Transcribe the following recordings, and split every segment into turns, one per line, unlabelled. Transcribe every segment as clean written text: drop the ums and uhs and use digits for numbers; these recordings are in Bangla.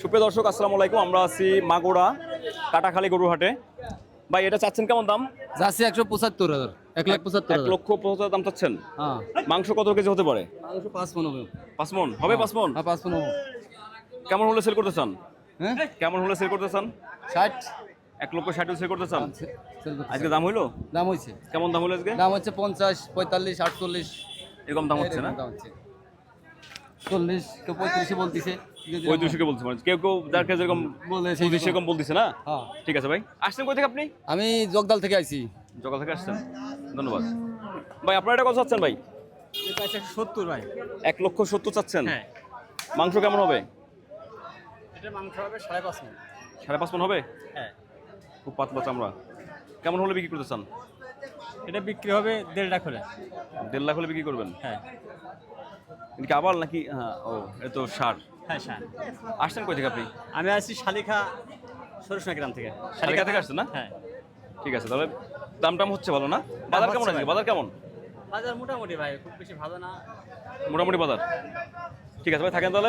সুপ্রিয় দর্শক, আসসালামু আলাইকুম। আমরা আছি মাগুরা কাটাখালী গরুর হাটে। ভাই, এটা চাচ্ছেন কেমন দাম?
যাচ্ছে 175,000, 1,75,000।
1,75,000 দাম চাচ্ছেন।
হ্যাঁ,
মাংস কত কেজি হতে পারে?
মাংস 5 মণ হবে।
5 মণ হবে। 5 মণ
হ্যাঁ, 5 মণ হবে।
কেমন হলে সেল করতে চান?
হ্যাঁ,
কেমন হলে সেল করতে চান?
60
1,60,000 সেল করতে চান?
সেল করতে
আজকে দাম হইলো?
দাম হইছে।
কেমন দাম হলো আজকে?
দাম হচ্ছে 50, 45, 48
এরকম দাম হচ্ছে না?
দাম হচ্ছে 40, কেউ 35 বলতিছে।
ওই 200 বলছে, মানে কেউ কেউ যার কাছে যেরকম
বলে
বলছে সেরকম বলতেছে না।
হ্যাঁ,
ঠিক আছে ভাই। আসছেন কই থেকে আপনি?
আমি জগদাল থেকে আইছি।
জগাল থেকে আসছেন, ধন্যবাদ ভাই। আপনারা এটা কত চাচ্ছেন ভাই?
এটা আছে 70 ভাই।
1,70,000 চাচ্ছেন।
হ্যাঁ,
মাংস কেমন হবে?
এটা মাংস হবে 5.5 মণ।
5.5 মণ হবে।
হ্যাঁ,
খুব পাতলা চামড়া। কেমন হলে বিক্রি করতে চান?
এটা বিক্রি হবে 1.5 লাখ হলে।
1.5 লাখ হলে বিক্রি করবেন?
হ্যাঁ,
এটা কি আবার নাকি? হ্যাঁ, ও এটা তো সার।
হ্যাঁ স্যার।
আসছেন কই থেকে আপনি?
আমি আছি শালিখা সরসনা গ্রাম থেকে।
শালিকা থেকে আসছেন না?
হ্যাঁ,
ঠিক আছে, তাহলে দাম টাম হচ্ছে ভালো না? বাজার কেমন
হচ্ছে
আছে?
ভাই।
বাজার কেমন?
বাজার মোটামুটি ভাই, খুব বেশি ভালো না।
মোটামুটি বাজার। ঠিক আছে ভাই, থাকেন তাহলে।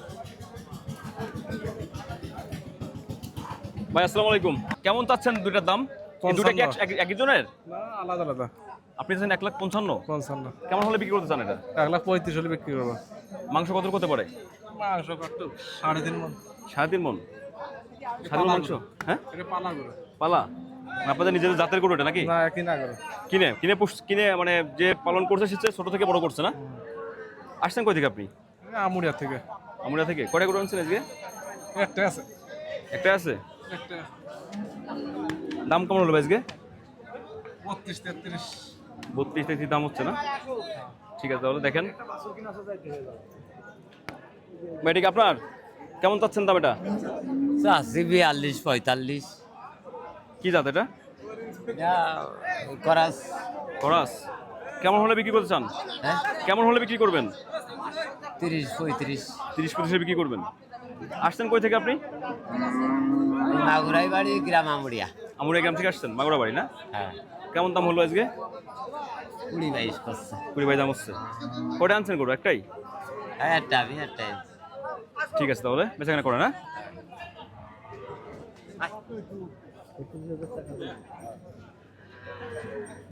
ভাই আসসালামু আলাইকুম। কেমন চাচ্ছেন দুইটার দাম? এই দুইটা কি একই জনের?
না, আলাদা আলাদা।
আপনি চাচ্ছেন 1,55,000।
55।
কেমন হলে বিক্রি করতে চান এটা?
1,35,000 হলে বিক্রি করবো।
মাংস কত করতে পারে?
মাংস কত? 3.5 মণ।
3.5 মণ। 3.5 মণ মাংস? হ্যাঁ,
এটা পালা করে।
পালা? মানে আপনাদের নিজেদের জাতের গরু এটা নাকি?
না, একই না করে।
কিনে কিনে কিনে মানে যে পালন করছে সে ছোট থেকে বড় করছে না? আসছেন কই থেকে আপনি?
আমুরিয়া থেকে।
আমরা থেকে কয়টা গরু আনছেন আজকে?
একটা আছে।
একটা আছে।
একটা
দাম কেমন হলো ভাই আজকে?
32, 33।
32-33 দাম হচ্ছে না? ঠিক আছে, তাহলে দেখেন ভাই, এটা কি আপনার? কেমন চাচ্ছেন দাম এটা?
চাষি 42, 45।
কি জাত এটা?
করাস।
খরাস। কেমন হলে বিক্রি করতে চান?
হ্যাঁ,
কেমন হলে বিক্রি করবেন?
30, 35।
30-35 বিক্রি করবেন। আসছেন কই থেকে আপনি?
মাগুরাই বাড়ি, গ্রাম আমুড়িয়া।
আমুরিয়া গ্রাম থেকে আসছেন, মাগুরা বাড়ি না?
হ্যাঁ,
কেমন দাম হলো আজকে?
20-22 করছে।
20 দাম হচ্ছে। কয়টা আনছেন গরু? একটাই?
হ্যাঁ, আমি একটাই।
ঠিক আছে, তাহলে বেচাকেনা করেন, হ্যাঁ?